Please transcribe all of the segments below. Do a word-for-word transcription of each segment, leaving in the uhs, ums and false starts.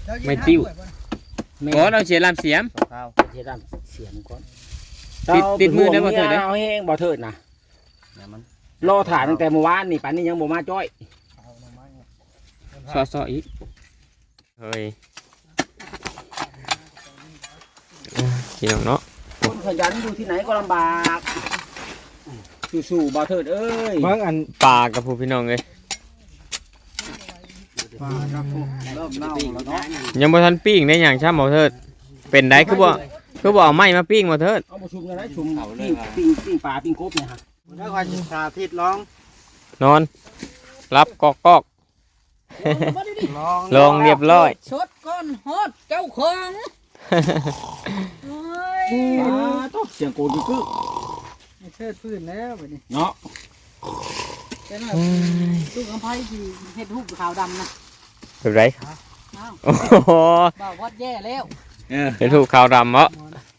ไม่ติ้วโอ้เราเสียลำเสียมข้าวเทดำเสียมก่อนติดติดมือได้บ่เถิดเด้เอาแห้งบ่เถิดนะเนี่ยมันรอถ่านตั้งแต่เมื่อวานนี่ป่านนี้ยังบ่มาจ้อยซอซออีกเฮ้ยพี่น้องเนาะคนขยันอยู่ที่ไหนก็ลำบากสู้ๆบ่เถิดเอ้ยเบิ่งอันปลากับผู้พี่น้องเลยเริ่มเน่าแล้วเนาะยังบ่ทันปิ้งได้หยังช้ำบ่เถิดเป็นได้คือบ่คือบ่เอาไม้มาปิ้งบ่เถิดเอามาชุมกันได้ชุมปิ้งปิ้งปิ้งปลาปิ้งกบเนี่ยฮะแล้วก็สาธิตร้องนอนรับกอกกอกร้องลงเรียบร้อยชดก้อนฮอดเจ้าของโอ้ยปลาต้องเสียงโกดกึกไม่เชิดพื้นแล้วบัดนี้เนาะเป็นแบบลูกกำไพที่เฮ็ดรูปขาวดำนะแบบไรอ้าวโอ้โหบ่าววัดแย่แล้วเออเป็นถูกขาวดำเหรอ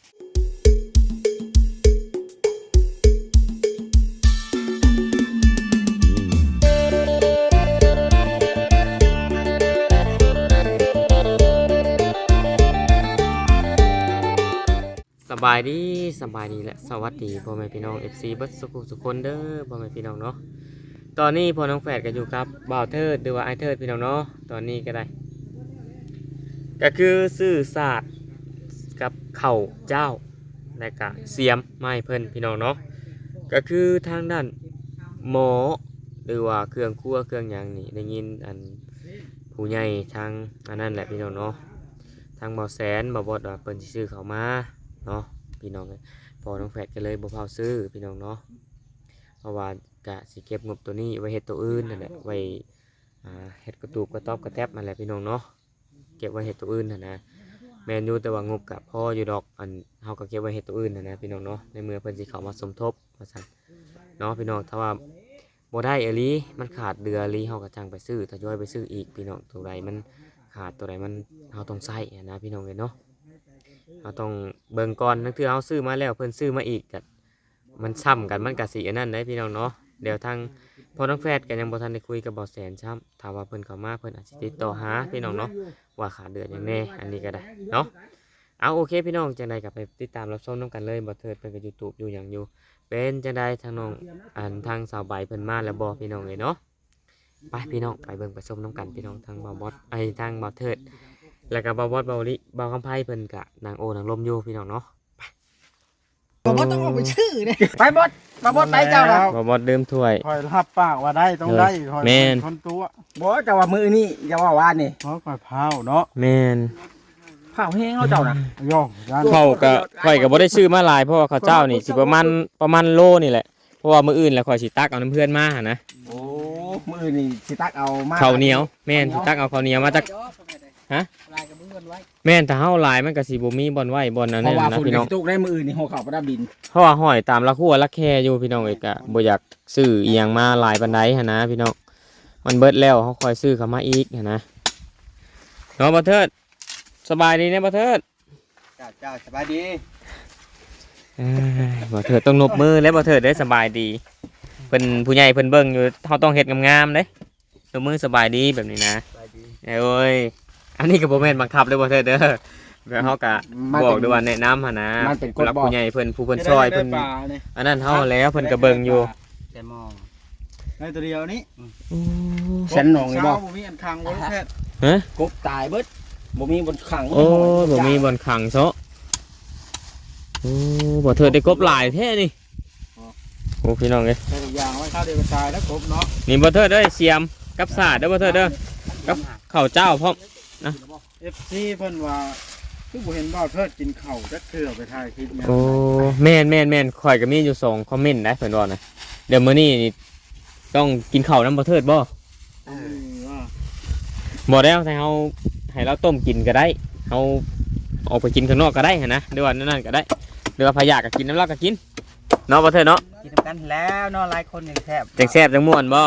สบายดีสบายดีและสวัสดีพ่อแม่พี่น้อง เอฟ ซี เบิดสุขุสุขคนเด้อพ่อแม่พี่น้องเนาะตอนนี้พ่อน้องแฝดก็อยู่กับบ่าวเทิดหรือว่าไอเทิดพี่น้องเนาะตอนนี้ก็ได้ก็คือซื้อศาสตร์กับเข่าเจ้าและก็เสียมไม้เพิ่นพี่น้องเนาะก็คือทางด้านหมอหรือว่าเครื่องครัวเครื่องหยังนี่ได้ยินอันผู้ใหญ่ทางอันนั้นแหละพี่น้องเนาะทางบ่าวแสนบ่าวบดว่าเพิ่นสิซื้อเข้ามาเนาะพี่น้องเลยพอน้องแฝดก็เลยบ่เผาซื้อพี่น้องเนาะเพราะว่ากะสิเก็บงบตัวนี้ไว้เฮ็ดตัวอื่นนั่นแหละไว้อ่าเฮ็ดกระตูบกระต๊อบกระแทบนั่นแหละพี่น้องเนาะเก็บไว้เฮ็ดตัวอื่นนั่นนะแม่นอยู่แต่ว่างบกะพออยู่ดอกอันเฮาก็เก็บไว้เฮ็ดตัวอื่นนั่นนะพี่น้องเนาะในเมื่อเพิ่นสิเข้ามาสมทบว่าซั่นเนาะพี่น้องถ้าว่าบ่ได้เอหลีมันขาดเดือหลีเฮาก็จังไปซื้อทยอยไปซื้ออีกพี่น้องตัวใดมันขาดตัวใดมันเฮาต้องใช้นะพี่น้องเอ้ยเนาะเราต้องเบิ่งก่อนนั่นคือเอาซื้อมาแล้วเพิ่นซื้อมาอีกกันมันซ้ำกันมันกะสีอันนั้นได้พี่น้องเนาะเดี๋ยวทางพอน้องแฟดกันยังบ่ทันได้คุยกับบ่อแสนซ้ำถ้าว่าเพิ่นเข้ามาเพิ่นอาจสิติดต่อหาพี่น้องเนาะว่าขาดเดือนอย่างแน่อันนี้ก็ได้เนาะเอาโอเคพี่น้องจังได๋ก็ไปติดตามรับชมนํกันเลยบ่เถิดเพิ่นก็ YouTube อยู่หยังอยู่เป็นจังได๋ทางน้องอันทางสาวใบเพิ่นมาแล้วบ่พี่น้องเอ้ยเนาะไปพี่น้องไปเบิ่งไปชมนํกันพี่น้องทางบ่าวบอสไอ้ทางบ่าวเถิดแล้วก็บ่าวบอสบ่าวลิบ่าวคำไผเพิ่นก็นางโอนางลมอยู่พี่น้องเนาะผมว่าต้องเอาไปชื่อเนี่ยไปบดมาบดไปเจ้าน่ะบ่าวบอสดื่มถ้วยคอยรับปากว่าได้ต้องได้คอยแม่นคนตัวบ่เจ้าว่ามือนี่อย่าว่าว่านี่เพราะคอยเผาเนาะแม่นเผาแห้งเขาเจ้าน่ะโยกยันเขาก็ข่อยก็บ่ได้ซื้อมาหลายเพราะว่าข้าวเจ้านี่สิประมาณประมาณโลนี่แหละเพราะว่ามื้ออื่นแล้วข่อยสิตักเอาน้ำเพื่อนมาหั่นนะโอ้มือนี่สิตักเอามาข้าวเหนียวแม่นสิตักเอาข้าวเหนียวมาจาก ฮะลายกับเพื่อนไว้แม่นถ้าเฮาหลายมันก็สิบ่มีบ่อนไว้บ่อนนั้นเพราะว่านะฝุ่นพี่น้องตุกได้มือนี่หัวเข่าประดับดินเพราะว่าห้อยตามละครัวละแค่อยู่พี่น้องเอกก็บ่อยากซื้ออีหยังมาหลายปานใดหั่นนะพี่น้องมันเบิดแล้วเฮาค่อยซื้อเข้ามาอีกหั่นนะเนาะบ่เทิดสบายดีนะบ่เทิดเจ้าเจ้าสบายดีเอ้ยบ่เทิดต้องนบมือแล้วบ่เทิดได้สบายดีเพิ่นผู้ใหญ่เพิ่นเบิ่งอยู่เฮาต้องเฮ็ดงามๆเด้นบมือสบายดีแบบนี้นะสบายดีเอ้ยอันนี้ก็บ่แม่นบังคับเลยบ่เทิดเด้อแบบเฮาก็มันบเป็อน กด้วยว่าแนะนำหั่นนะมันเป็นกฎผู้หลักบอกผู้ใหญ่เพิ่นผู้เพิ่นช่วยเพิ่นได้ปลาเนี่ยอันนั้นเฮาแล้วเพิ่นก็เบิ่งอยู่แต่มองในตัวเดียวนี้ฉันหนองนี่บ่เช้ามีอันคังบ่ลูกแพทย์ฮะกบตายเบิดบ่มีบนขังโอ้บ่มีบ่อนขังซะโอ้บ่เทิดได้กบหลายแท้นี่โอ้พี่น้องเอ้ยใส่ทุกอย่างไว้ข้าวเดียวก็ตายแล้วครบเนาะนี่บ่เทิดเด้อเสียมกับสาดเด้อบ่เทิดเด้อกับข้าวเจ้าพร้อมเอฟซีเพิ่นว่าคือบ่เห็นบ่าวเทิดกินข้าวจักเทื่อไปถ่ายคลิปเนี่ยโอ้แม่นแม่นแม่นข่อยก็มีอยู่สองคอมเมนต์นะเพิ่นว่านะเดี๋ยวมื้อนี้นี่ต้องกินข้าวนํบ่เทิดบ่เออว่าบ่แล้วให้เฮาให้เราต้มกินก็ได้เฮาออกไปกินข้างนอกก็ได้หั่นนะหรือว่านั่นๆก็ได้หรือว่าพะยาก็กินน้ำเราก็กินเนาะบ่เทิดเนาะกินกันแล้วเนาะหลายคนอย่างแทบจังแซ่บจังม่วนบ่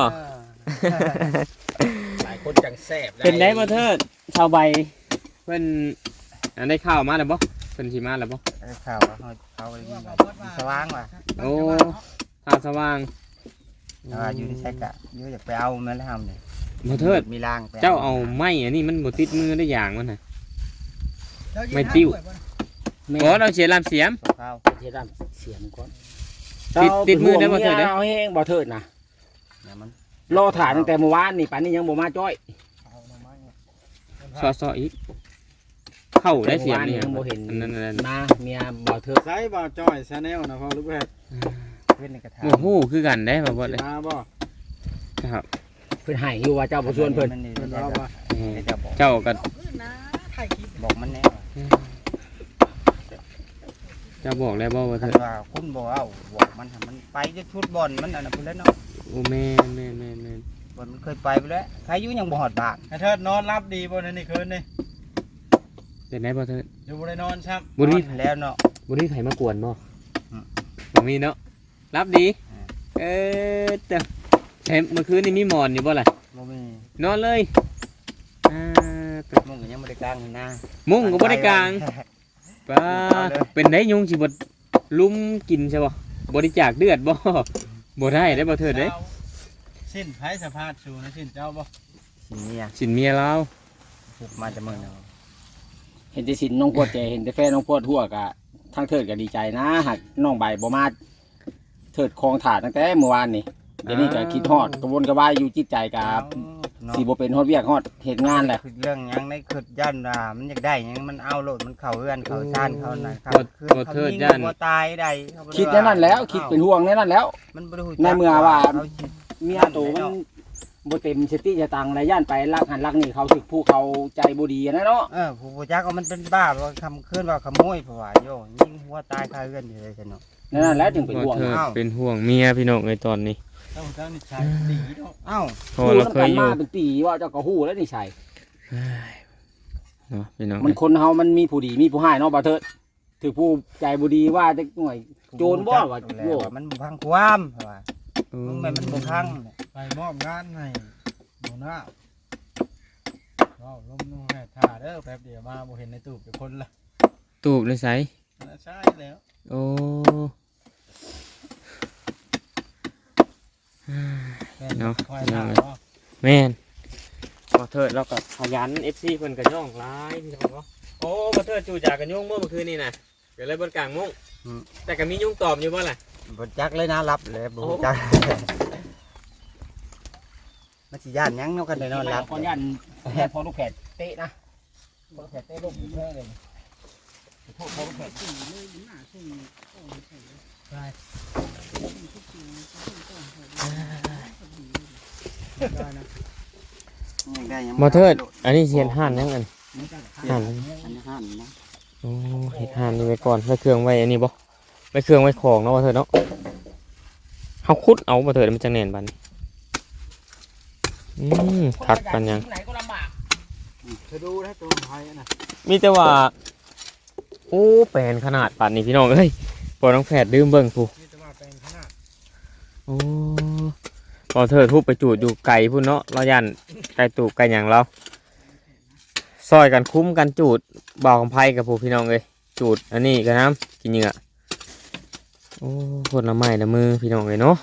หลายคนจังแซ่บเป็นได้บ่เทิดชาวใบเพิ่นอันได้ข้าวมาแล้วบ่เพิ่นสิมาแล้วบ่ข่าวว่าเขาเขาสว่างว่ะโอ้ข้าวสว่างแต่ว่าอยู่ในใช้กะอยู่อยากไปเอาแม่นแล้วทำเนี่ยอบ่เทิดมีรางไปเจ้าเอาไม้อันนี้มันบ่ติดมือได้อย่างมันน่ะ ไม่ติ้ว บ่เราเสียลามเสียมข้าวเฮ็ดด้านเสียงก่อนติดติดมือได้บ่เถิดเด้เอาแห้งบ่เถิดนะเนี่ยมันรอถ่ายตั้งแต่เมื่อวานนี่ป่านนี้ยังบ่มาจ้อยซอๆอีกเข้าได้เสียมนี่ยังบ่เห็นอันนั้นอันนั้นมาเมียบ่เถิดใส่บ่าวจ้อยชาแนลนะพ่อลูกแพทย์เพิ่นในกระถางโอ้โหคือกันได้บ่บ่เลยมาบ่ครับเพิ่นให้อยู่ว่าเจ้าบ่ชวนเพิ่นเพิ่นเอาบ่เออเจ้าบอกเจ้าก็บอกมันแน่เจ้าบอกแล้วบ่ว่าคัเถินดว่าคุณบ่เอาบอกมันให้มันไปจะชุดบอลมันอันนั้นพุ่นแล้วเนาะโอ้แม่นแม่นแม่นแม่นบอลมันเคยไปไปแล้วใครอยู่ยังบ่ฮอดบ้านไอ้เทิดนอนรับดีบ่ในนี่คืนนี่เป็นไดบ่เถิดอยู่บ่ได้นอนครับบ่มีนอนแล้วเนาะบ่มีไผมากวนบ่อืมบ่มีเนาะรับดีอ่าเออแต่เห็นเมื่อคืนนี่มีหมอนอยู่บ่ล่ะบ่มีนอนเลยอ่าแต่มึงก็ยังบ่ได้กลางหน้ามุ้งก็บ่ได้กลางป้าเอาเลยเป็นได้ยุงสิบ่ลุมกินใช่บ่บริจาคเลือดบ่บ่ได้ได้บ่เถิดเด้จ้าสิ้นไผสภาพสูนะสิ้นเจ้าบ่สิเมียสินเมียเราผูกมาจะมื้อเนาะเห็นแต่สินน้องพวดแกเห็นแต่แฟนน้องพวดทั่วกะทางเทิดก็ดีใจนะหากน้องใบบ่มาเทิดคลองถาดตั้งแต่เมื่อวานนี่เดี๋ยวนี้ก็คิดฮอดกระวนกระวายอยู่จิตใจกับเนาะสิบ่เป็นฮอดเวียกฮอดเฮ็ดงานแหละคือเรื่องหยังในคือย่านว่ามันอยากได้หยังมันเอาโลดมันเข้าเฮือนเข้าชานเข้านั่นเข้าบ่คือบ่เขาเทิดยิงย่านบ่ตายได้เขาบ่ไคิดในนั้นแล้วคิดเป็นห่วงในนั้นแล้วมันบ่ได้ฮู้ในเมื่อว่าเขาคิดเมียโตมันบ่เต็มสติสตังค์ไรย่านไปลักหันลักนี่เขาสิผู้เขาใจบ่ดีนะเนาะเออผู้บ่จักว่ามันเป็นบ้าว่าคำคืนว่าขโมยเพราะว่าโยยิงหัวตายคาเฮือนอยู่เลยซั่นเนาะในนั้นแล้วจึงเป็นบ่ห่วงเถิดอ้าวเป็นห่วงเมียพี่น้องในตอนนี้เจ้าเจ้านี่ชายดีเนาะเอ้าเพราะว่าเราเคยอยู่มาเป็นปีว่าเจ้าก็ฮู้แล้วนี่ใช่เนาะพี่น้องมันคนเฮามันมีผู้ดีมีผู้ให้เนาะบ่เถิดถือผู้ใจบ่ดีว่าจะหน่วย โจรบ่ว่าแล้วว่ามันบ่พังความเพราะว่าเออมึงแม่นมันบ่พังไปมอบงานให้หนูหน้าว้าวลมนุ่งแม่ท่าเด้อแป๊บเดียวมาบ่เห็นในตู้เป็นคนละตูบเลยไสใช่แล้วโอ้ เนาะคอยถามเนาะแม่นบ่เถิดเราก็ขยัน เอฟ ซี เพิ่นก็ย่องหลายพี่น้องเนาะโอ้บ่เถิดจู่จากกันยุ่งเมื่อคืนนี่น่ะก็เลยบนกลางมุ้งแต่ก็มียุ่งตอบอยู่บ่ล่ะบ่จักเลยนะรับเลยบ่จักมันสิย่านหยังเนาะกันได้นอนหลับขอยันแพทย์พอลูกแพทย์เตะนะพอลูกแพทย์เตะลูกแพ้เลยโทษพอลูกแพทย์ได้ยังบ่เถิดอันนี้เสียนห่านยังอันห่านอันห้ามนะโอ้เฮ็ดห่านนี่ไว้ก่อนไว้เครื่องไว้อันนี้บ่ไว้เครื่องไว้ของเนาะบ่เถิดเนาะเฮาขุดเอาบ่เถิดมันจังแน่นบัดนี้อืมคักปานหยังไหนก็ลำบากเธอดูนะตัวไทยนะมีแต่ว่าโอ้แปลนขนาดปานนี้พี่น้องเอ้ยพอน้องแฝดดื่มเบิ่งผู้นี่จะมาเป็นขนาดโอ้พอเถิดทุบไปจูดอยู่ไก่พุ่นเนาะเรายันไก่ตูบไก่หยังเราซอยกันคุ้มกันจูดบ่าวของไผ่กับผู้พี่น้องเลยจูดอันนี้กันน้ำกินเหงื่อโอ้คนละไม้ละมือพี่น้องเลยเนาะ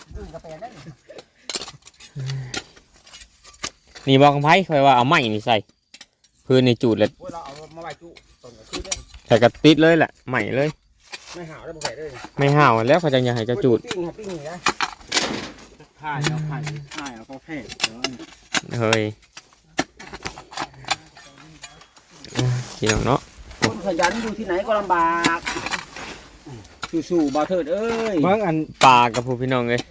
นี่บ่าวของไผ่คอยว่าเอาไม้นี่ใส่พื้นในจูดเลยเราเอามาไว้จุต้นก็คือได้ใส่กระติดเลยแหละไม้เลยไม่หาวได้บ่ใส่เลยไม่ห่าวแล้วเขาจะยังให้เจะจูดปิ้งปิ้งนี่นะถ่ายเอาถ่ายถ่ายเอาก็แพ้เดี๋ยวอันเฮ้ยอ่ะพี่น้องเนาะคนขยันอยู่ที่ไหนก็ลำบากสู้ๆบ่เถิดเอ้ยเบิ่งอันปลากับผู้พี่น้องเลย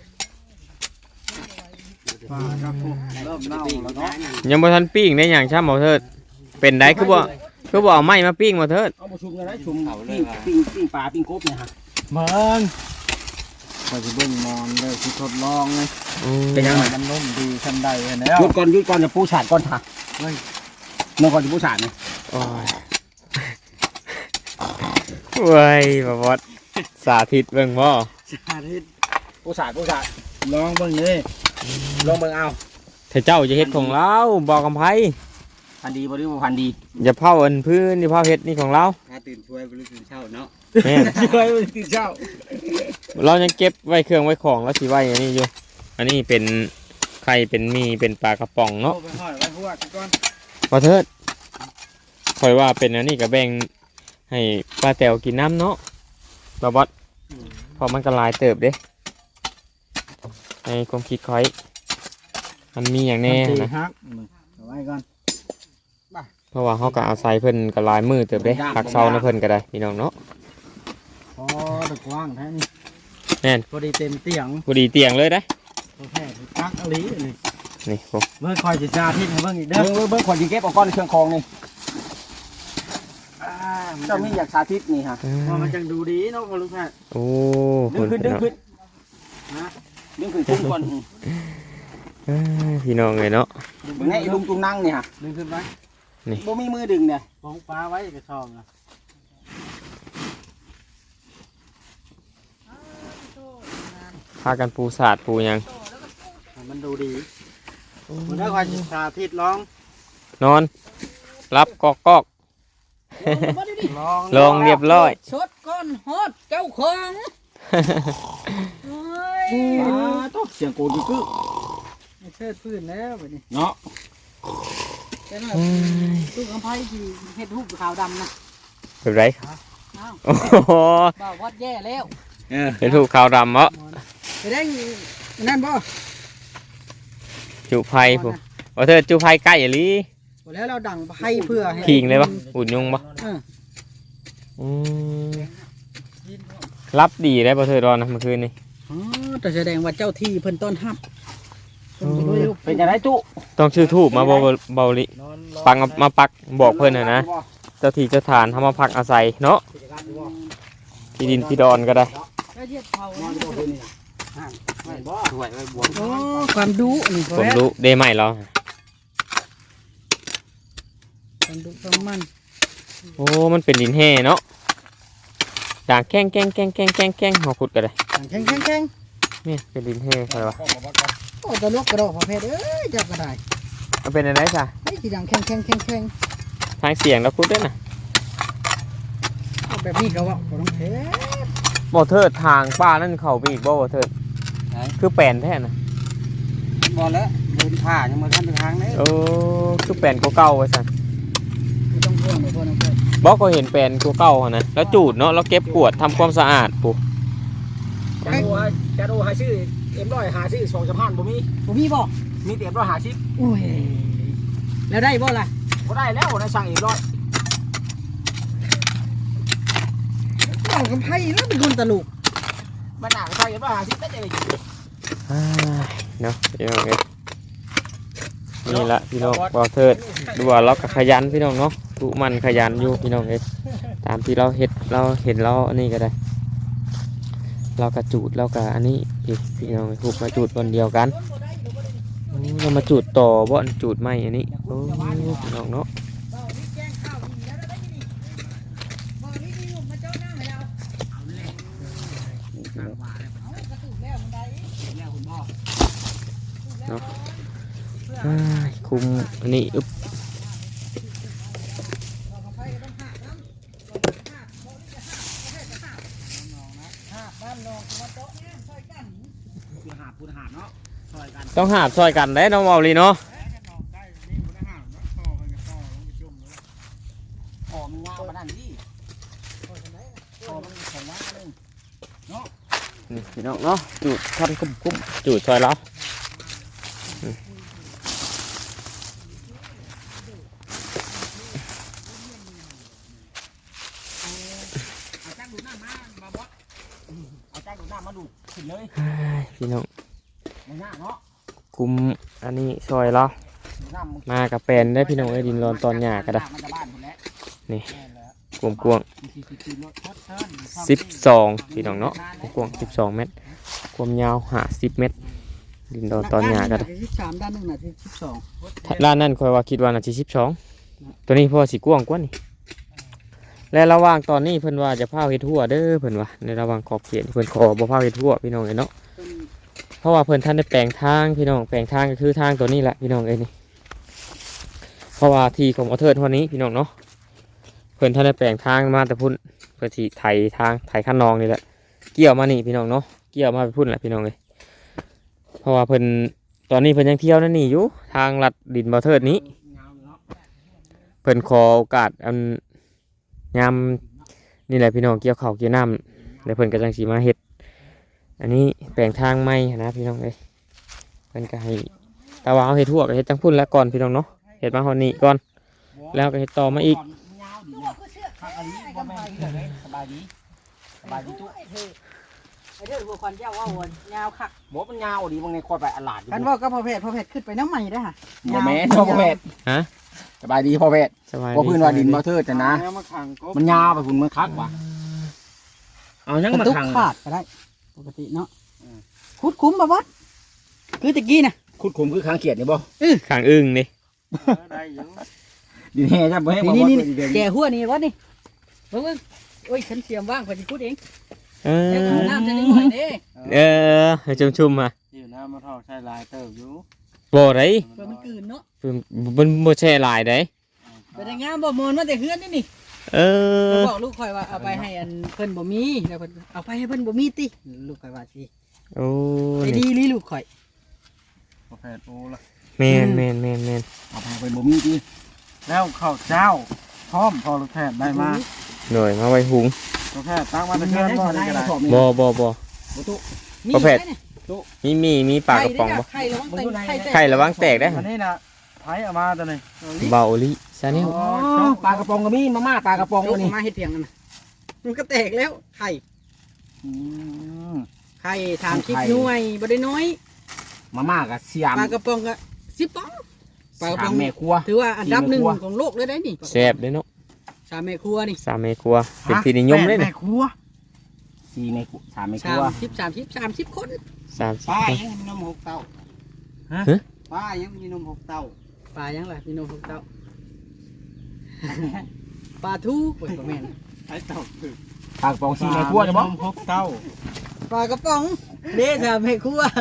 ปลาครับพวกเริ่มเน่าแล้วเนาะยังบ่ทันปิ้งได้อย่างช่ำบ่เถิดเป็นได้คือบ่คือบ่เอาไม้มาปิ้งบ่เถิดเอามาชุมกันนะชุมปิ้งปิ้งปิ้งปลาปิ้งกบเนี่ยฮะเบิ่งไปสิเบิ่งมอนเลยสิทดลองเลยเป็นยังไงมันนุ่มดีทันใดแล้วหยุดก่อนหยุดก่อนจะปูฉาดก่อนค่ะเฮ้ยน้องก่อนจะปูฉาดเนี่ยโอ้ยเว้ยบ่บอดสาธิตเบิ่งบ่ชาทิตปูฉาดปูฉาดลองเบิ่งนี่ลองเบิ่งเอาถ้าเจ้าจะเฮ็ดของเราบอกกับไผพันดีบ่หรือบ่พันดีอย่าเผาอันพื้นอย่าเผาเฮ็ดนี่ของเราถ้าตื่นช่วยบ่รู้ตื่นเช้าเนาะแม่นช่วยมันตื่นเช้าเรายังเก็บไว้เครื่องไว้ของแล้วสิไว้อันนี้อยู่อันนี้เป็นไข่เป็นหมีเป็นปลากระป๋องเนาะเอาไปห้อยไว้หัวก่อนบ่เทิดข่อยว่าเป็นอันนี้ก็แบ่งให้ป้าแต๋วกินน้ำเนาะบ่บอสเพราะมันก็หลายเติบเด้ให้ความคิดข่อยมันมีอย่างแน่ตีนะฮักเอาไว้ก่อนเพราะว่าเฮาก็เอาใส่เพิ่นก็หลายมือเติบเด้ผักเซานะเพิ่นก็ได้พี่น้องเนาะพอตะกว้างแท้นี่แม่นพอดีเต็มเตียงพอดีเตียงเลยได้พอแท้ตักอลีนี่นี่ผมเบิ่งคอยสิสาธิตให้เบิ่งอีกเด้เบิ่องเบิ่งเบิ่งคนที่เก็บเอาก้อนในเครื่องคองนี่อ่ามันเจ้ามีอยากสาธิตนี่ฮะว่ามันจังดูดีเนาะพ่อลูกแพทย์โอ้ดึงขึ้นดึงขึ้นนะดึงขึ้นคุ้มก่อนเอ้ยพี่น้องเลยเนาะเบิ่งให้ลุงตุงนั่งนี่ฮะดึงขึ้นไว้บ่มีมือดึงเนี่ยของปลาไว้กระชองนะพากันปูสาดปูหยังให้มันดูดีมันได้คอยสิสาธิตลองนอน รับกอกกอกลองลองเรียบร้อยชดก้อนฮอดเจ้าของโอ้ยปลาตุ๊เสียงโกดกึกไม่เชิดพื้นแล้วบัดนี้เนาะแต่น่ะตู้กำไพที่เฮ็ดรูปขาวดำนะแบบไรอ้าวโอ้โหบ่าววัดแย่แล้วเออเป็นถูกขาวดำเหรอไปได้นั่นบ่จุไผ่ผมว่าเธอจุไผ่ใกล้อย่าลีบ่แล้วเราดังไพ่เพื่อให้พิงเลยปะอุ่นยุงปะเอออืมรับดีได้ปะเธอรอนนะเมื่อคืนนี่อ๋อแต่แสดงว่าเจ้าที่เพิ่นต้อนรับเพิ่นบ่รู้เป็นจังไดตุต้องชื่อทูบมาเบาเบาลินอนรอปังเอามาปักบอกเพื่อนนะนะเจ้าที่เจ้าฐานทำมาพักอาศัยเนาะที่ดินที่ดอนก็ได้เจ้าเฮ็ดเผานอนอยู่บ่นี่น่ะไม่บ่สวยไว้บวมโอ้ความดุนี่ก็ผมแล้วรู้ได้ไหมเหรอความดุความมันโอ้มันเป็นดินแห่เนาะด่างแก้งแก้งแก้งแก้งแก้งแก้งหอขุดก็ได้แข็งแข็งแข็งนี่เป็นดินแห่ใช่ปะโอ้ตลกกระดอกประเภทเอ้ยเจับก็ได้มันเป็นอะไรจ้ะไอ้ที่ดังแข็งแข็งแข็งแข็งทางเสียงแล้วพูดด้วยนะเอาแบบนี้ก็ว่าบ่ต้องเทบ่เทิดทางป้านั่นเขาไปอีกบ่บ่เทิดคือแปลนแท้นะบอลแล้วเดินผ่ายังมาทันถึงทางนี้โอ้คือแปลนกว่าเก่าไว้สั่นบ่ต้องห่วงเลยพ่อน้องเพิ่นบอกก็เห็นแปลนกว่าเก่าหั่นนะแล้วจูดเนาะแล้วเก็บกวาดทำความสะอาดปุ๊จะดูให้จะดูให้ชื่อเอ็มร้อยหาชื่อสองสะพานบ่มีบ่มีบ่มีแต่เอ็มร้อยหาชิปโอ้ยแล้วได้บ่ล่ะบ่ได้แล้วในสั่งเอ็มร้อยเอากับไพ่แล้วเป็นคนตลกมันหนักใส่เอ็มร้อยหาชิปได้เลยอ้ายเนาะพี่น้องเอ้ยนี่ละพี่น้องบ่เทิดดูว่าเราก็ขยันพี่น้องเนาะตุมันขยันอยู่พี่น้องเอ้ยตามที่เราเฮ็ดเราเห็นเราอันนี้ก็ได้ เรากระจูดเรากะอันนี้พี่พี่น้องถูกมาจูดบนเดียวกันโอ้เรามาจูดต่อบ่อนจูดไม่อันนี้โอ้พี่น้องเนาะเนาะอ้ายคุมอันนี้อึ๊บต้องหาบซอยกันได้น้องเมาลีเนาะหอมงามาด้านนี้หอมมันของว่าเลยนี่พี่น้องเนาะจูดท่านคุ้มคุ้มจูดซอยเราอืมเอาจ้างดูดน้ำมามาบอสเอาจ้างดูดน้ำมาดูดขึ้นเลยอ้ายพี่น้องมันยากเนาะคุมอันนี้ซอยเราดูดน้ำมันมากับแปลนได้พี่น้องไอ้ยดินร้อนตอนหยาก็ได้มันจะบ้านคนแล้วนี่กวงกวง สิบสองพี่น้องเนาะกวงสิบสองเมตรความยาวหาสิบเมตร ดินดอนตอนหยาก็ได้ที่สามด้านหนึ่งน่ะที่สิบสองด้านนั้นคอยว่าคิดว่าน่าจะสิบสองตัวนี้พอสีกวงกว่านี่และระหว่างตอนนี้เพิ่นว่าจะพาเฮ็ดทั่วเด้อเพิ่นว่าในระหว่างขอบเขตเพิ่นขอบ่พาเฮ็ดทั่วพี่น้องเอ้ยเนาะเพราะว่าเพิ่นท่านได้แปลงทางพี่น้องแปลงทางก็คือทางตัวนี้แหละพี่น้องเอ้ยนี่เพราะว่าที่ของอเทิร์นวันนี้พี่น้องเนาะเพิ่นท่านได้แปลงทางมาแต่พุ่นเพื่อที่ไถทางไถขั้นนองนี่แหละเกี่ยวมานี่พี่น้องเนาะเกี่ยวมาไปพุ่นแหละพี่น้องเอ้ยเพราะว่าเพิ่นตอนนี้เพิ่นยังเที่ยวนั่นนี่อยู่ทางลัดดินบ่เทิดนี้เพิ่นขอโอกาสอันยามนี่แหละพี่น้องเกี่ยวข้าวเกี่ยวน้ำเดี๋ยวเพิ่นก็จังสิมาเฮ็ดอันนี้แปลงทางใหม่นะพี่น้องเอ้ยเพิ่นก็ให้ตาว่าเอาเฮ็ดทั่วก็เฮ็ดจังพุ่นแล้วก่อนพี่น้องเนาะเฮ็ดมาฮอดนี้ก่อนแล้วก็เฮ็ดต่อมาอีกสบายดีสบายดีจุ๊ไอ้เธอไอ้เธอหัวควันเจ้าว่าวนยาวคักบ่มันยาวดีบางในคอยไปอลาดอยู่กันว่าก็พอเพชรพอเพชรขึ้นไปน้ำใหม่ได้อค่ะบ่แม่นพ่อเพชรฮะสบายดีพ่อเพชรสบายบ่พื้นว่าดินบ่เทิดแต่นะเอามาขังกบมันยาวไปพุ่นมันคักว่ะเอายังกมาระตุกขังขาดก็ได้ ปกติเนาะคุดคุ้มบ่วัดคือตะกี้น่ะขุดขุมคือค้างเขียดนี่บ่ขังอึ้งนี่เออได้อยู่ดินแห่จ้ะบ่ให้บ่นี่บ่นี่เพิ่นสิเดินแก่หัวนี่วัดนี่เบิ่งเบิ่งโอ้ยฉันเสียมว่างพอดีคุดเองเอเดี๋ยวอเอาน้ำจะได้หน่อยเด้เออให้ชุ่มๆมาอยู่น้ำมาทอกใช้ลายเติบอยู่บ่ได้เพื่อมันกลืนเนาะเพิ่นมันบ่แช่หลายได้ไปได้งามบ่มอนมาแต่เฮือนนี่นี่เออบอกลูกข่อยว่าเอาไปให้อันเพิ่นบ่มีแล้วเพิ่นเอาไปให้เพิ่นบ่มีติลูกข่อยว่าสิโอ้ไอ้นี่ดีลีลูกข่อยประเภทโอ้ละแม่นแม่นแม่นแม่นเอาไปเพิ่นบ่มีติแล้วข้าวเจ้าพร้อมพอลูกแพทย์ได้มาหน่อยมาไว้หุงลูกแพทย์ตั้งมาตะเคียนบ่ได้ก็ได้บ่บ่บ่บ่ตุมีประเภทไหมเนี่ยมีมีมีปลากระป๋องบ่ไข่ระวังแตกไข่แตกไข่ระวังแตกได้อันนี้นะไผเอามาตัวนี้เบาลิซาเนลอ๋อปลากระป๋องก็มีมาม่าปลากระป๋องลูอักนนี้มาเฮ็ดเพียงนั่นน่ะมันก็แตกแล้วไข่อืมไข่ถามคิดไข่หน่วยบ่ได้น้อยมาม่าก็เสียมปลากระป๋องก็สิบป๋องปลากระป๋สาอมงแม่ครัวถือว่าอันดับหนึ่งสี่แม่ครัวของโลกเลยได้นี่แซ่บเด้เนาะสามแม่ครัวนี่สามเมครัวเป็นที่นิยมเลยแม่นะครัวสี่แม่ครัวสามแม่คสารัวมสิบสามสิบสามสิบคนสามสิบป้าคนยังมีนมหกเต้าฮะป้ายังมีนมหกเต้าปลายังล่ะพี่น้องพวกเจ้า ปลาทูโอ้ยบ่แม่นไอ้เต้าคือปลากระป๋องสี่แม่ครัวจะบ่นมหกเต้าปลากระป๋องเด้สามแม่ครัว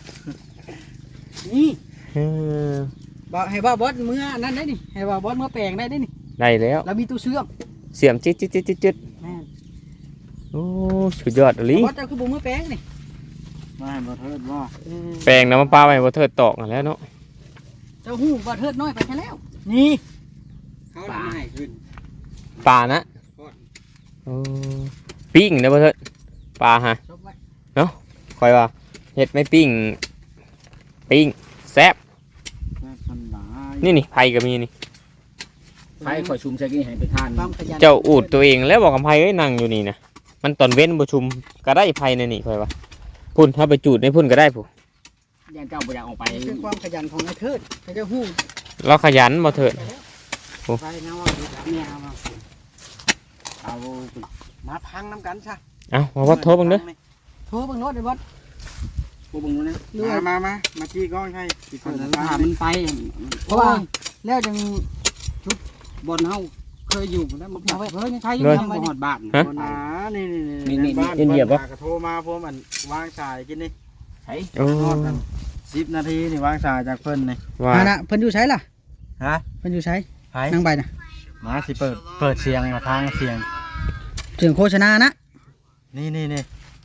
นี่เออบอกให้ว่าบอสมืออันนั้นได้นี่ให้ว่าบอสมือแปลงได้ได้นี่ได้แล้วเรามีตู้เชื่อมเสียมจิ๊ดจิ๊ดจิ๊ดจิ๊ดจิ๊ดแม่นโอ้สุดยอดลิบอสเจ้าคือบุมือแปลงนี่มาให้บ่เทิดว่าเออแปลงน้ำมันปลาไปบ่เทิดตอกนั่นแหล้วเนาะเจ้าหูบอสเทิดน้อยไปแค่แล้ว นี่เขาทำให้ขึ้นปลานะโอ้ปิ้งเด้อบ่เทิดปลาฮะชบไว้คอยว่าเฮ็ดไม่ปิ้งปิ้งแซ่บแม่พันหลายนี่นี่ไผก็มีนี่ไฟข่อยชุมใช้กินให้ไปทานความขยันเจ้าอูดตัวเองแล้วบอกกับไผเอ้ยนั่งอยู่นี่นะมันตอนเว้นบ่ชุมก็ได้ไผในนี่คอยว่าพุ่นถ้าไปจูดในพุ่นก็ได้ผู้ย่านเจ้าบ่อยากออกไปนี่คือความขยันของไอ้เทิดเขาเจ้าหูเราขยันบ่เถิดไปนะว่าดูจากเนี่ยเอามาเอามาพังน้ำกันซะเอ้ามาวัดโทรบังเด้อโทรเบังรถเลยบอสบ่เบิ่งดูนะเรื่อมาย มามามาจี้ก้อนให้ที่คนละถ้ามันไปเพราะว่าแล้วจังบนเฮาเคยอยู่แล้วมาเอาไว้เฮ้ยยังใช้อยู่เลยทำไว้หนี่อดบ้านฮะบนหนานี่นี่นี่นี่บ้านนี่เหยียบปะก็โทรมาพวกมันวางสายกินนี่ใช้โอ้ทอดกันสิบนาทีนี่วางสายจากเพิ่นนี่ว่าอ่านะเพิ่นอยู่ใช้ล่ะฮะเพิ่นอยู่ใช้ไผนั่งไปนะมาสิเปิดเปิดเสียงมาทางเสียงเสียงโฆษณานะนี่นี่นี่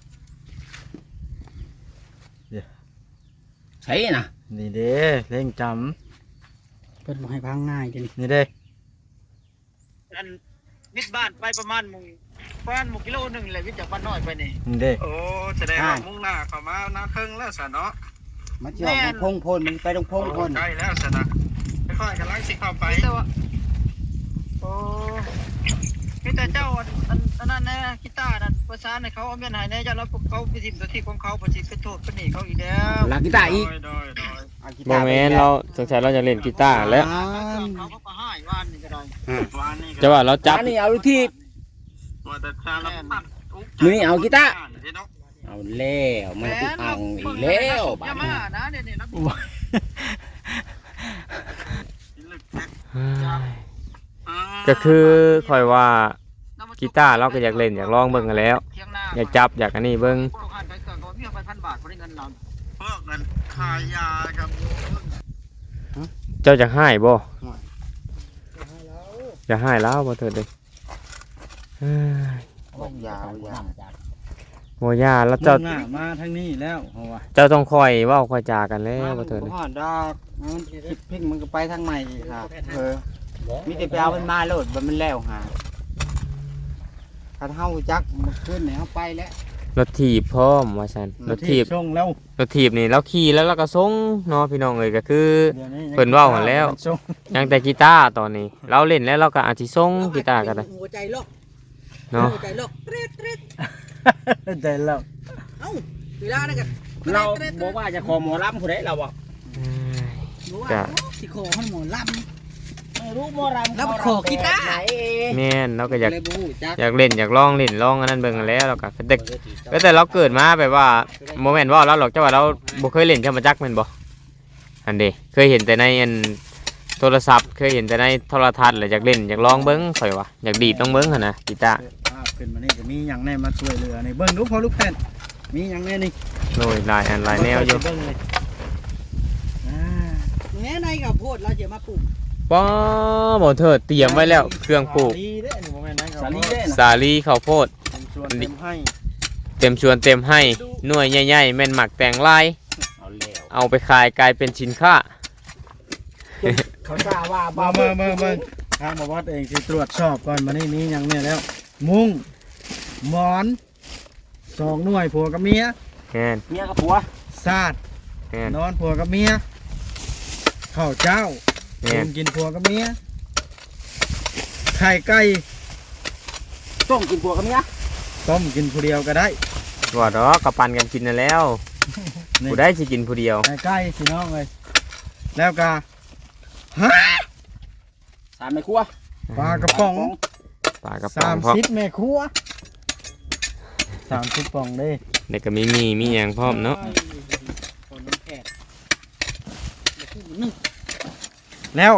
ใช้น่ะนี่เด้เล่งจเพิ่นบ่ให้พังง่ายเดี๋ยวนี้ำนี่เด้อันวิทย์บ้านไปประมาณหมุงประมาณหมุงกิโลหนึ่งเลยวิทย์จากบ้านน้อยไปนี่นี่เด้โอ้แสดงว่ามุ่งหน้าเข้ามาหน้าเทิงแล้วสะเนาะมาเจาะพงพลมันไปตรงพงพลใกล้แล้วสะนะค่อยๆกำลังสิเข้าไปโอ้พี่แต่เจ้าอันอันอันนั้นแน่กีตาร์นั่นภาษาในเขาเอาเมียนหายแน่เจ้าแล้วเขาไปทิมตัวที่ของเขาไปทิมไปโทษไปหนีเขาอีกแล้วลากีตาร์อีกโดยโดยเอากีบ่ตาร์แม่นเราสงสัยเราจะเล่นกีตาร์แล้วเขาเขาก็ให้ว่านนี่ก็ได้ว่านนี่ก็จะว่าเราจับอันนี้เอาที่ว่าแต่ชาละพันมื้อนี้เอากีตาร์ เอาแล้วมันอุกอังอีกแล้วบาดอย่านี้มานะเดี๋ยวนี้นะก็คือคอยว่ากีตาร์เราก็อยากเล่นอยากลองเบิ่งกันแล้ว อยากจับอยากอันนี้เบิ่งพวกหันไปเกิดก็มีไปพันบาทคนได้เงินเราเพิ่มเงินขายยาครับเจ้าจะให้บ่จะให้แล้วบ่เถิดเลยเอ้ยยาวยาวโมย่าแล้วเจ้าเจ้าหน้ามาทางนี้แล้วเพราะว่าเจ้าต้องคอยเว้าคอยจากันแล้วบ่เถิดบ่ฮอดดอกมันคิดพิงมันก็ไปทางใหม่อีกค่ะเออมีแต่ไปเอามันมาโลดบ่มันแล้วหาถ้าเฮาจักมันขึ้นให้เฮาไปแล้วรถถีบพร้อมว่าซั่นรถถีบช่งแล้วรถถีบนี่เราขี่แล้วเราก็ส่งเนาะพี่น้องเอ้ยก็คือดี๋ยวนี้ยังเพิ่นเว้าหั่นแล้วส่งยังแต่กีตาร์ตอนนี้ เราเล่นแล้วเราก็อาจสิส่งกีตาร์ก็ได้หัวใจล็อกเนาะหัวใจล็อกเตร็ดเตร็ดได้แล้วเอ้าเวลานั่นกันเราบอกว่าจะขอหมอลำผู้ใดเราบอกจ้ะสิขอให้หมอลำไม่รู้หมอลำแล้วขอกีตาร์ไหนแม่นเราก็อยากเลยบ่ฮู้จักอยากเล่นอยากลองเล่นลองอันนั้นเบิ่งกันแล้วเราก็แต่ก็แต่เราเกิดมาแบบว่าโมเมนต์ว่าเราหรอกจ้าว่าเราบ่เคยเล่นแค่มาจักแม่นบ่อันเด้เคยเห็นแต่ในอันโทรศัพท์เคยเห็นแต่ในโทรทัศน์แหละอยากเล่นอยากลองเบิ่งข่อยว่าอยากดีดลองเบิ่งหั่นนะกีตาร์ภาพขึ้นมานี่จะมีหยังแน่มาช่วยเหลือนี่เบิ่งดูพอลูกแผ่นมีหยังแน่นี่โอ้ยหลายอันหลายแนวอยู่เบิ่งเลยอ่าแม่ในกับโพดเราจะมาปลูกป้อบ่เถิดเตรียมไว้แล้วเครื่องปลูกสาลีเด้อนี่บ่แม่นนะสาลีเด้นะสาลีข้าวโพดเป็นส่วนเต็มให้เต็มชวนเต็มให้หน่วยใหญ่ๆแม่นหมักแต่งลายเอาแล้วเอาไปขายกลายเป็นสินค้าเขาทราบว่ามาเบิ่งเบิ่งเบิ่งทางมาวัดเองสิตรวจสอบก่อนมานี่มีหยังแน่แล้ว มุ้งหมอนสองหน่วยผัวกับเมียแม่นเมียกับผัวซาดแม่นนอนผัวกับเมียข้าวเจ้าแม่นกินผัวกับเมียไข่ไก่ต้มกินผัวกับเมียต้มกินผู้เดียวก็ได้ว่าดอกกระปันกันกินนั่นแล้วนี่ผู้ได้สิกินผู้เดียวไข่ไก่พี่น้องเลยแล้วก็ฮะสามแม่ครัวปลากระป๋องปลากระป๋อสาง มพร้อมสิบแม่ครัวสามสิบป่องเด้เด็กก็มีมีมีหยังพร้อมเนาะคนน้ำแขกนึ่งแล้ว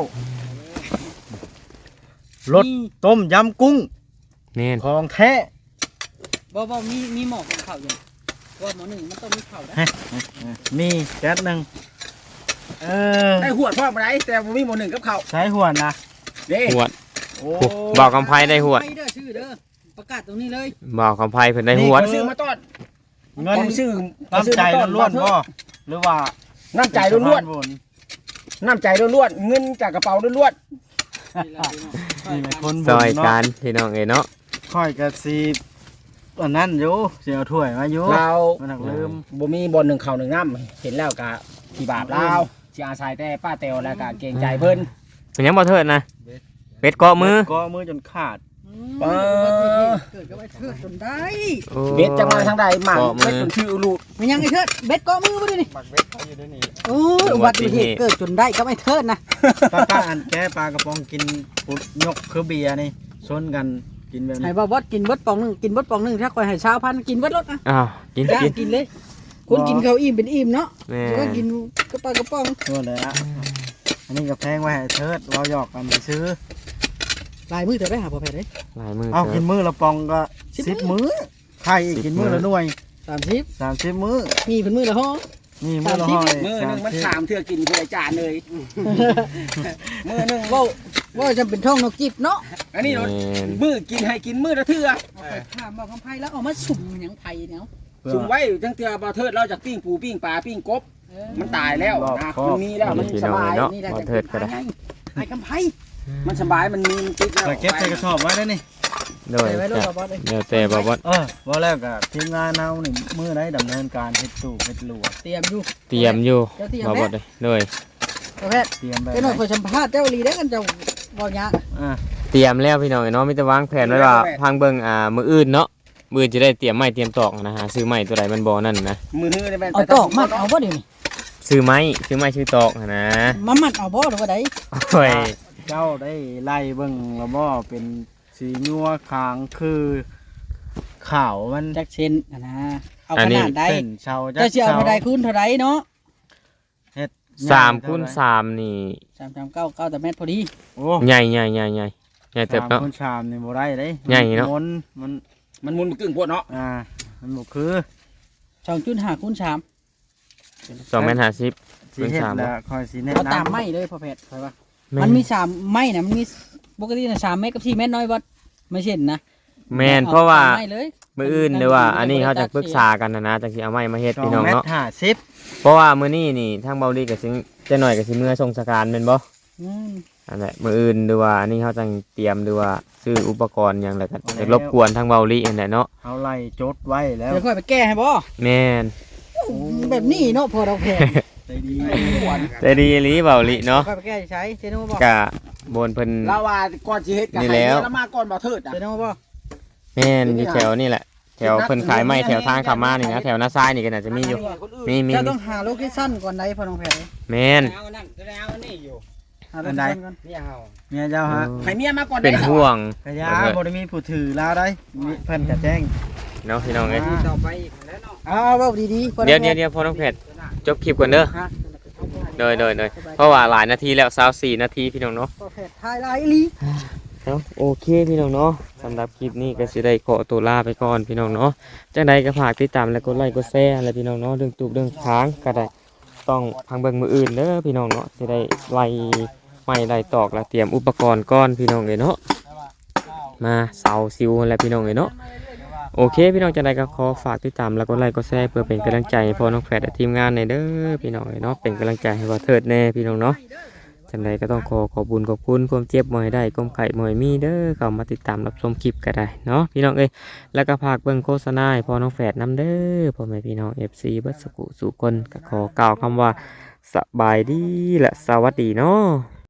รสต้มยำกุ้งแม่นของแท้บ่บ่มีมีหมอกของข้าวอยู่ว่าหมอหนึ่งมันต้องมีข้าวนะมีแก๊สหนึ่งเออได้หวดพ่อมาไหนแต่บ่มีหมอหนึ่งกับเขาวใช้หัวนะเด้หวดโอ้บอกคำไพได้หวดไปเด้อชื่อเด้อประกาศตรงนี้เลยบอกคำไพเพิ่นได้หวดผมซื้อมาต้อนเงินผมซื้อน้ำใจล้วนๆบ่หรือว่าน้ำใจล้วนๆน้ำใจล้วนๆเงินจากกระเป๋าล้วนนี่เป็นคนบุซญอยกัเนาะนพี่น้องเอ้ยเนาะค่อยกระซีอันนั้นอยู่เสียถ้วยมาอยู่ๆเรามันหักลืมบ่มีบอลหนึ่งเข่าหนึ่งน้ำเห็นแล้วกะที่บาปเราสิอาศัยแต่ป้าเตวแล้วกะเกรงใจเพิ่นเป็นหยังบ่เถิดนะเป็ดเกาะมือก็มือจนขาดเออเกิดกับไอ้เทิดจนได้โอ้เบ็ดจะมาทางใดหมากเกาะมืเบ็ดอจนชื่อลูกมันยังไอ้เทิดเบ็ดเกาะมือมาด้วยนี่บักเบ็ดเขาอยู่ด้วยนี่โอ้ยอุบัติเหตุเกิดจนได้กับไอ้เทิดนะป้าป้าอันแก้ปลากระป๋องกินปุดยกคือเบียร์นี่ชนกันกินแบบให้นี้บ่บดกินเบิดปองหนึงกินเบิดปองหนึงถ้าคอยให้ชาวพันธุ์กินเบิดรถนะอ้าวกินย่างกินกินเลยคนกินข้าวอิ่มเป็นอิ่มเนาะแม่ก็กินกระป๋องกระป๋องตัวเลยอะอันนี้ก็แพงไว้ให้เทิดเราหยอกกันไปซื้อลายมือเธอได้หาพอแพทย์เลยหลายมือเอาเถิกิดนมือละปองก็สิบสิบมื้อไข่อีกสิบกินมือมื้อละหน่วยสามสิบสามสิบมื้อมีเป็นมือละห้อนี่มือละห้อยมือหนึงมันสามเทื่อกินผู้ใดจานเลยมือหนึงว่าว่าจะเป็นท่องนกจิบเนาะอันนี้แม่นมือกินให้กินมือละเทื่อเอาไปข้ามบอกคำไพ่แล้วเอามาสุ่มมันหยังไผ่เนาะสุ่มไว้ทั้งเทื่อบ่เทิดเราจากปิ้งปูปิ้งปลาปิ้งกบเออมันตายแล้วนะมันมีแล้วมันสบายนี่แหละจะเป็นไผ่ไงไอ้คำไพ่มันสบายมันมีมันติดแล้วแต่เก็บใส่กระสอบไว้ได้นี่โดยใส่ไว้รถจ้ะกับบอสเลยเดี๋ยวแต่บ่บ่เออว่าแล้วก็ทีมงานเอานี่มือไหนดำเนินการเฮ็ดตู้เฮ็ดลวดเตรียมอยู่เตรียมอยู่เจ้าเตรียมบ่แม่บ่เลยโดยพอแพทย์เตรียมแบบเจ้าหน่อยคอยสัมภาษณ์เจ้าลีได้กันเจ้าบอกยะอ่าเตรียมแล้วพี่น้องเอ้ยเนาะมีแต่วางแผนไว้ว่าพังเบิ่งอ่ามื้ออื่นเนาะมื้อจะได้เตรียมไม้เตรียมตอกนะฮะซื้อไม้ตัวใดมันบ่นั่นนะมือหื้อได้แม่นเอาตอกมัดเอาบ่เดี๋ยวนี้ซื้อไม้ซื้อไม้ซื้อตอกหั้นนะมามัดเอาบ่หรือว่าใดโอ้ยเจ้าได้ไล่เบิ่งแล้วบ่เป็นสีนัวคางคือขาวมันจักเซนนะนะเอาขนาดใดเส้นเชาจัเจ้าเสียเอาเท่าใดคูณเท่าใดเนาะเฮ็ดสามคูณสามนี่สามสามเก้าเก้าแต่เมตรพอดีโอ้ใหญ่ใหญ่ใหญ่ใหญ่ใหญ่เติบสามเนาะคูณสามนี่บ่ได้เด้ใหญ่เนาะมันมันมันมุนกึ่งพวดเนาะอ่ามันบ่คือสองจุดห้าคูณสามสองเมตรห้าสิบสิเฮ็ดแล้วค่อยสิแนะเอานำตามไม้เลยพอแพทย์คอยว่ามันมีสามไม้นะมันมีปกตินะสามเมตรกับสี่เมตรน้อยบอสไม่เช่นนะแมนเพราะว่าอตมไม้เลยมื้ออื่นหรือว่าอันนี้เขาจะปรึกษากันนะนะจังสิเอาไม้มาเฮ็ดสอพี่งน้องเมตรเนาะห้าสิบเพราะว่ามื้อนี้นี่ทางเบาลีก็สิจะหน่อยก็สิเมื่อส่งสการแม่นบ่อืมอันแหละมื้ออื่นหรือว่าอันนี้เขาจังเตรียมหรือว่าซื้ออุปกรณ์หยังแล้วก็จะรบกวนทางเบาลีอันแหละเนาะเอาไล่จดไว้แล้วเดี๋ยวค่อยไปแก้ให้บ่แม่นแบบนี้เนาะพอเราแพงใจดีแต่ดีอีหลีเบาลีเนาะค่อยไปแก้ใช้เจนูบ่กะบนเพิ่นลาวาก่อนสิเฮ็ดกันนี่แล้วแล้วมาก่อนบ่เทิดอ่ะเจนูบ่แม่นอยู่แถวนี่แหละแถวเพิ่นขายไม้แถวทางเข้ามานี่นะแถวหน้าซ้ายนี่ก็น่าจะมีอยู่มีมีเจ้ามีต้องหาโลเคชั่นก่อนไหนพอน้องแพงแม่นเอานั่นจะได้เอาอันนี้อยู่หาโลเคชั่นก่อนเนี่ยเฮาเมียเจ้าฮะให้เมียมาก่อนเป็นได้ห่วงกระยาบ่ได้มีผู้ถือลาวได้มีเพิ่นก็แจ้งเนาะพี่น้องเอ้ยต่อไปอีกแล้วเนาะเอาเว้าดีๆพอเดี๋ยวเดี๋ยวเดี๋ยวพอน้องเพชรจบคลิปก่อนเด้อฮะเด้อเด้อเด้อเพราะว่าหลายนาทีแล้ว24นาทีพี่น้องเนาะพอแพงทายหลายอีหลีเนาะโอเคพี่น้องเนาะสำหรับคลิปนี้ก็สิได้ขอตัวลาไปก่อนพี่น้องเนาะจังใดก็ฝากติดตามและกดไลค์กดแชร์อะไรพี่น้องเนาะเรื่องตูบเรื่องค้างก็ได้ต้องพังเบิ่งมืออื่นเด้อพี่น้องเนาะสิได้ไล่ไม้ไล่ตอกและเตรียมอุปกรณ์ก่อนพี่น้องเอ้ยเนาะมาเสาซิวและพี่น้องเอ้ยเนาะโอเคพี่น้องจังใดก็ขอฝากติดตามและกดไลค์กดแชร์เพื่อเป็นกำลังใจให้พ่อน้องแฟดและทีมงานในเด้อพี่น้องเอ้ยเนาะเป็นกำลังใจให้ว่าเทิดแน่พี่น้องเนาะ จังใดก็ต้องขอขอบุญขอบคุณความเจ็บมอยได้ก้มไข่มอยมีเด้อเข้ามาติดตามรับชมคลิปก็ได้เนาะพี่น้องเอ้ยแล้วก็ฝากเบิ่งโฆษณาให้พ่อน้องแฝดน้ำเด้อพ่อแม่พี่น้อง เอฟ ซี เบิดสกุสู่คนก็ขอกล่าวคำว่าสบายดีและสวัสดีเนาะ